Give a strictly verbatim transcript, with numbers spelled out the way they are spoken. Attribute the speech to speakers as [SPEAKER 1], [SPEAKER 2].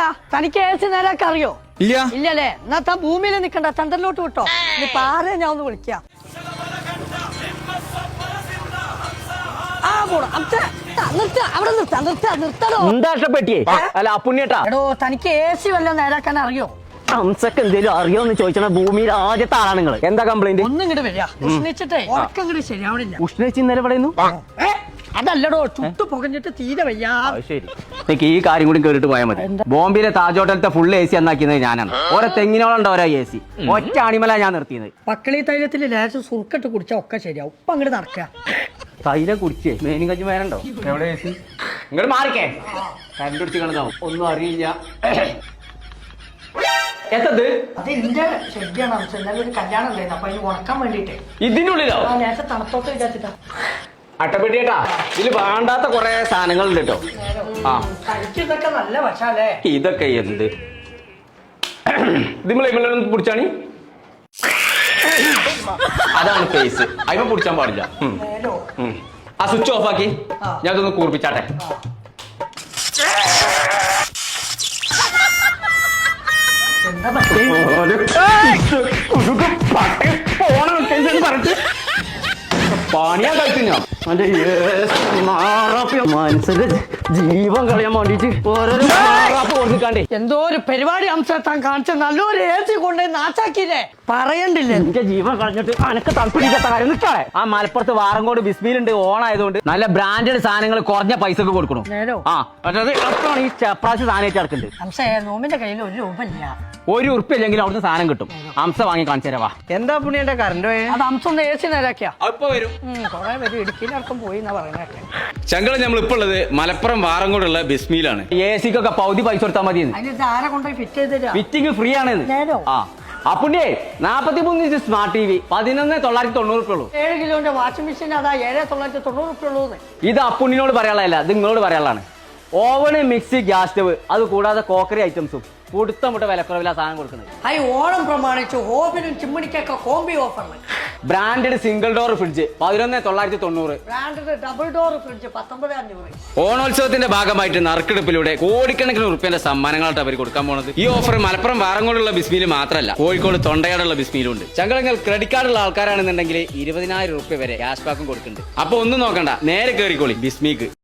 [SPEAKER 1] തനിക്ക് A C നേരാക്കാൻ അറിയോ?
[SPEAKER 2] ഇല്ല.
[SPEAKER 1] ഇല്ലല്ലേ? എന്നാ താൻ ഭൂമിയിൽ നിക്കണ്ട, ചന്ദ്രനിലോട്ട് വിട്ടോ. ഇനി പാറ ഞാൻ ഒന്ന് വിളിക്കാം. ആ പോടാ നിർത്ത, അവിടെ നിർത്ത, നിർത്ത, നിർത്തണോ?
[SPEAKER 3] എന്താ ഇഷ്ടപ്പെട്ടിയേ? അല്ല അപ്പുണ്ണിയേട്ടാ,
[SPEAKER 1] എടോ തനിക്ക് എ സി വല്ലതും നേരാക്കാൻ അറിയോ?
[SPEAKER 3] ഹംസക്ക് എന്തേലും അറിയോന്ന് ചോദിച്ചാൽ ഭൂമിയിൽ ആദ്യത്തെ ആളാണ് നിങ്ങൾ. എന്താ കംപ്ലൈന്റ്?
[SPEAKER 1] ഒന്നും ഇങ്ങോട്ട് വരിക, ഉഷ്ണിച്ചിട്ടേ ഉറക്കം ഇങ്ങോട്ട് ശരിയാവണില്ല.
[SPEAKER 3] ഉഷ്ണിച്ച് ഇന്നലെ പറയുന്നു.
[SPEAKER 1] അതല്ലടോ, ചുട്ടു പുകഞ്ഞിട്ട് തീരെ വയ്യാ.
[SPEAKER 3] ശരി, എനിക്ക് ഈ കാര്യം കൂടി കേട്ടിട്ട് പോയാൽ മതി. ബോംബെയിലെ താജ് ഹോട്ടലത്തെ ഫുൾ എ സി എന്നാക്കിയത് ഞാനാണ്. ഓരോ തെങ്ങിനോളം ഓരോ എ സി ഒറ്റ ആണിമല ഞാൻ നിർത്തിയത്.
[SPEAKER 1] പക്കളി തൈലത്തിൽ ലേശം സുർക്കിട്ട് കുടിച്ചാൽ ഒക്കെ ശരിയാവും. ഇപ്പൊ അങ്ങോട്ട് നടക്കുക.
[SPEAKER 3] തൈലം കുടിച്ചേ മേനും കഞ്ചി മേനുണ്ടോ? എവിടെ എ സി? ഇങ്ങോട്ട് മാറിക്കേ, കരണ്ട് പിടിച്ച് കിടന്നാവും. ഒന്നും അറിയില്ല. എത്തത്
[SPEAKER 1] അത് എന്റെ ശരിയാണ്. എന്നാലും ഒരു കല്യാണം ഉണ്ടായിരുന്നു, അപ്പൊ അതിന് ഉണക്കാൻ വേണ്ടിട്ടേ.
[SPEAKER 3] ഇതിനുള്ളിലോ?
[SPEAKER 1] ലേശം തണുത്തോട്ട് വിചാരിച്ചിട്ടാ.
[SPEAKER 3] അട്ടപ്പെട്ടിയേട്ടാ, ഇതില് വേണ്ടാത്ത കൊറേ സാധനങ്ങളുണ്ട് കേട്ടോ. ആ
[SPEAKER 1] ഇതൊക്കെ നല്ല വശാലേ.
[SPEAKER 3] ഇതൊക്കെ എന്ത് ഇതിമ്മളൊന്നും പിടിച്ചാണി? അതാണ് ഫേസ്, അതിമ പിടിച്ചാൻ പാടില്ല. ആ സ്വിച്ച് ഓഫ് ആക്കി ഞാൻ ഇതൊന്ന് കൂർപ്പിച്ചാട്ടെ. പണിയാ കഴിച്ചു ഞാൻ മനസ്സിന്റെ ജീവൻ കളയാൻ വേണ്ടിട്ട് ഓരോരോ കൊടുക്കാണ്ടേ.
[SPEAKER 1] എന്തോ ഒരു പരിപാടി അംശം താൻ കാണിച്ച നല്ലൊരു എ സി കൊണ്ടേ നാച്ചാക്കിയില്ലേ, പറയണ്ടില്ലേ?
[SPEAKER 3] എന്റെ ജീവൻ കളഞ്ഞിട്ട് അനക്ക് തണുപ്പിടിക്കാത്ത കാര്യം നിൽക്കാളെ. ആ മലപ്പുറത്ത് വാറങ്കോട് ബിസ്മിലുണ്ട്, ഓണായതുകൊണ്ട് നല്ല ബ്രാൻഡഡ് സാധനങ്ങൾ കുറഞ്ഞ പൈസക്ക് കൊടുക്കണം. ആ അതായത് അപ്പോഴാണ് ഈ ചെപ്രാശ് സാധനം ചേർക്കുന്നുണ്ട്.
[SPEAKER 1] അംശേ നോമിന്റെ കയ്യിൽ ഒരു രൂപ ഇല്ല.
[SPEAKER 3] ഒരു ഉറുപ്പ് ഇല്ലെങ്കിൽ അവിടുന്ന് സാധനം കിട്ടും. അംശ വാങ്ങി കാണിച്ചു തരാവാ.
[SPEAKER 2] എന്താ പുണ്യന്റെ കറണ്ട് പോയെ?
[SPEAKER 1] അത് അംശം ഒന്ന് എ സി നേരാക്കിയാ
[SPEAKER 3] അപ്പൊ വരും.
[SPEAKER 1] കൊറേ പേര് ഇടുക്കിയിലടക്കം പോയി എന്നാ പറയുന്നതൊക്കെ.
[SPEAKER 2] ചങ്കള നമ്മൾ ഇപ്പൊ ഉള്ളത് മലപ്പുറം വാറങ്കോടുള്ള ബിസ്മിയിലാണ്.
[SPEAKER 3] എ സിക്കൊക്കെ പകുതി പൈസ കൊടുത്താൽ മതി.
[SPEAKER 1] അതിന് ആരെ കൊണ്ടുപോയി ഫിറ്റ് ചെയ്ത് തരാ?
[SPEAKER 3] ഫിറ്റിംഗ് ഫ്രീ ആണ്. ആ അപ്പുണ്ണിയേ, നാപ്പത്തി മൂന്ന് ഇഞ്ച് സ്മാർട്ട് ടി വി പതിനൊന്ന് തൊള്ളായിരത്തി തൊണ്ണൂറ് റുപ്യ ഉള്ളൂ.
[SPEAKER 1] ഏഴ് കിലോന്റെ വാഷിംഗ് മെഷീൻ അതാ ഏഴ് തൊള്ളായിരത്തി തൊണ്ണൂറ് റുപ്യ ഉള്ളൂ.
[SPEAKER 3] ഇത് അപ്പുണ്ണിനോട് പറയാനുള്ളതല്ല, ഇത് നിങ്ങളോട് പറയാനുള്ളതാണ്. ഓവന്, മിക്സി, ഗ്യാസ് സ്റ്റവ്, അത് കൂടാതെ കോക്കറി ഐറ്റംസും കൊടുത്ത മുട്ട വിലക്കുറവില സാധനം കൊടുക്കുന്നത്.
[SPEAKER 1] ഐ ഓണം പ്രമാണിച്ച് ഓവനും ചിമ്മണിക്കൊക്കെ കോമ്പി ഓഫറിന്.
[SPEAKER 3] ബ്രാൻഡഡ് സിംഗിൾ ഡോർ ഫ്രിഡ്ജ് പതിനൊന്ന് തൊള്ളായിരത്തി തൊണ്ണൂറ്.
[SPEAKER 1] ബ്രാൻഡഡ് ഡബിൾ ഡോർ ഫ്രിഡ്ജ് പത്തൊമ്പത് അഞ്ഞൂറ്.
[SPEAKER 2] ഓണോത്സവത്തിന്റെ ഭാഗമായിട്ട് നറുക്കെടുപ്പിലൂടെ കോടിക്കണക്കിന് റുപ്യന്റെ സമ്മാനങ്ങളായിട്ട് അവർ കൊടുക്കാൻ പോണത്. ഈ ഓഫർ മലപ്പുറം വാറങ്കോടുള്ള ബിസ്മിയിൽ മാത്രമല്ല, കോഴിക്കോട് തൊണ്ടയാടുള്ള ബിസ്മിയിലുണ്ട്. ചങ്കളങ്ങൾ ക്രെഡിറ്റ് കാർഡുള്ള ആൾക്കാരാണെന്നുണ്ടെങ്കിൽ ഇരുപതിനായിരം റുപ്യ വരെ ക്യാഷ് ബാക്കും കൊടുക്കുന്നുണ്ട്. അപ്പൊ ഒന്നും നോക്കണ്ട, നേരെ കയറിക്കോളി ബിസ്മിക്ക്.